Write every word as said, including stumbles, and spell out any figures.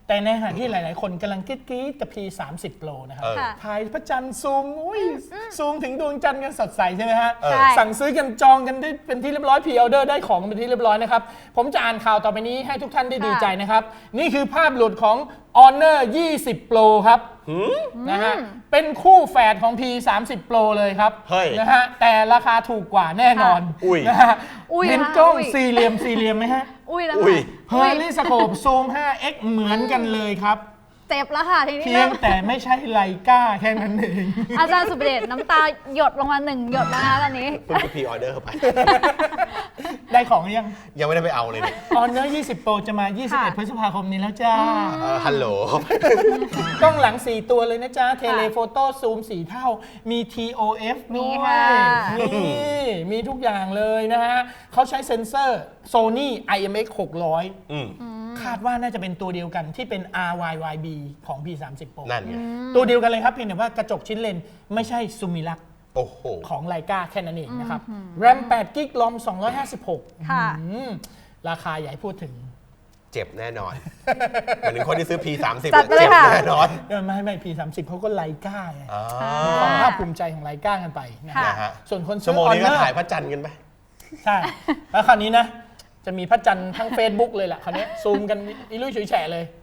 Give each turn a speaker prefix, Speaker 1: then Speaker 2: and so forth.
Speaker 1: แต่ในขณะที่หลายๆคนกำลังกรี๊ดกับ พี สามสิบ Pro นะครับถ่ายพระจันทร์ซูมอุ้ยซูมถึงดวงจันทร์กันสดใสใช่ไหมฮะสั่งซื้อกันจองกันได้เป็นที่เรียบร้อยพรีออเดอร์ได้ของเป็นที่เรียบร้อยนะครับผมจะอ่านข่าวต่อไปนี้ให้ทุกท่านได้ดีใจนะครับนี่คือภาพหลุดของ Honor ยี่สิบ Pro ครับนะฮะเป็นคู่แฝดของ พี สามสิบ Pro เลยครับนะฮะแต่ราคาถูกกว่าแน่นอนนะฮะเห็นกล้องสี่เหลี่ยมสี่เหลี่ยมไหมฮะ
Speaker 2: อุ้ยแล้ว
Speaker 1: เพอร์ลี่สโคปซูม ห้าเอ็กซ์ เหมือนกันเลยครับ
Speaker 2: เจ็บแล้วค่ะทีนี้
Speaker 1: เพียงแต่ไม่ใช่ไลกาแค่นั้นเอง
Speaker 2: อาจารย์สุประเดชน้ำตาหยดลงมาหนึ่งหยดแล้วนะตอนนี้
Speaker 3: เพิ่งไปพรีออเดอร์เข้าไป
Speaker 1: ได้ของยัง
Speaker 3: ยังไม่ได้ไปเอาเลยเนี่ย
Speaker 1: ออนเนอร์ยี่สิบ Pro จะมายี่สิบเอ็ดพฤษภาคมนี้แล้วจ้า
Speaker 3: ฮัลโหล
Speaker 1: กล้องหลังสี่ตัวเลยนะจ๊ะเทเลโฟโต้ซูมสี่เท่ามี ที โอ เอฟ ด้วยนี่มีทุกอย่างเลยนะฮะเขาใช้เซ็นเซอร์ Sony ไอ เอ็ม เอ็กซ์ หกร้อยคาดว่าน่าจะเป็นตัวเดียวกันที่เป็น อาร์ วาย วาย บี ของ พี สามสิบ Pro
Speaker 3: นั่นไง
Speaker 1: ตัวเดียวกันเลยครับเพียงแต่ว่ากระจกชิ้นเลนไม่ใช่ซูมิลักของไลกาแค่นั้นเองนะครับ แรม แปดกิกะไบต์ รอม สองร้อยห้าสิบหก
Speaker 2: ค่ะ
Speaker 1: ราคาใหญ่พูดถึง
Speaker 3: เจ็บแน่นอนเหมือนคนที่ซื้อ พี สามสิบ
Speaker 2: เจ็บ
Speaker 3: แน่นอน
Speaker 1: ไม่ไม่ พี สามสิบ เขาก็ไลกาไงความภาคภูมิใจของไลกากันไปนะฮะส่วนคนซื้อ
Speaker 3: ชั่วโมงนี้ก็ถ่ายพระจันทร์กันไป
Speaker 1: ใช่แล้วคราวนี้นะจะมีพระจันทร์ทั้ง Facebook เลยแหละคราวนี้ซูมกันอีลุยฉุยแฉะเลย